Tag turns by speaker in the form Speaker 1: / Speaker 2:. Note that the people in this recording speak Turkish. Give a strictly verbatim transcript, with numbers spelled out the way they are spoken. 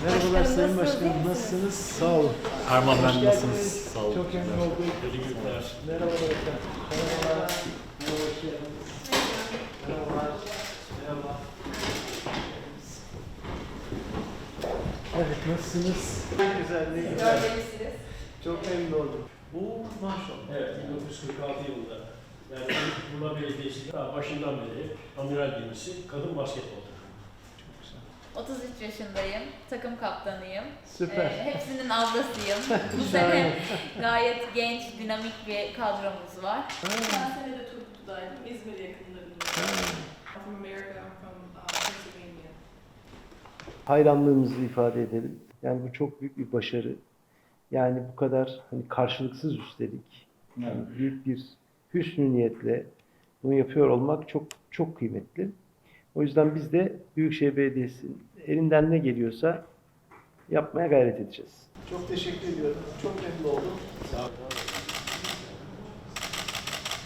Speaker 1: Merhabalar Sayın
Speaker 2: nasılsınız,
Speaker 1: Başkanım,
Speaker 2: iyi misiniz?
Speaker 1: nasılsınız? Sağ olun.
Speaker 3: Erman
Speaker 1: Hoş
Speaker 3: ben
Speaker 1: geldiniz.
Speaker 3: nasılsınız? Sağ olun.
Speaker 1: Çok memnun oldum.
Speaker 3: İyi günler.
Speaker 1: Merhabalar efendim. Merhabalar. Merhaba, hoş geldiniz. Merhabalar. Merhaba. Evet, nasılsınız? Ne güzel, ne güzel.
Speaker 2: Görmelisiniz.
Speaker 1: Çok memnun oldum. Bu maşallah.
Speaker 4: Evet, bin dokuz yüz kırk altı yılında. Yani Muğla Belediyesi daha başından beri amiral gemisi kadın basketbol takımı.
Speaker 1: Çok güzel.
Speaker 2: otuz üç yaşındayım. Takım kaptanıyım.
Speaker 1: Süper.
Speaker 2: Ee, hepsinin ablasıyım. Bu
Speaker 1: Şahane.
Speaker 2: sene gayet genç, dinamik bir kadromuz var.
Speaker 5: Geçen sene de Turgut'taydım, İzmir yakınlarında. From America, I'm from uh, Pennsylvania.
Speaker 1: Hayranlığımızı ifade edelim. Yani bu çok büyük bir başarı. Yani bu kadar hani karşılıksız üstelik yani büyük bir hüsnü niyetle bunu yapıyor olmak çok çok kıymetli. O yüzden biz de Büyükşehir Belediyesi'nin elinden ne geliyorsa yapmaya gayret edeceğiz. Çok teşekkür ediyorum. Çok memnun oldum.
Speaker 4: Sağ olun.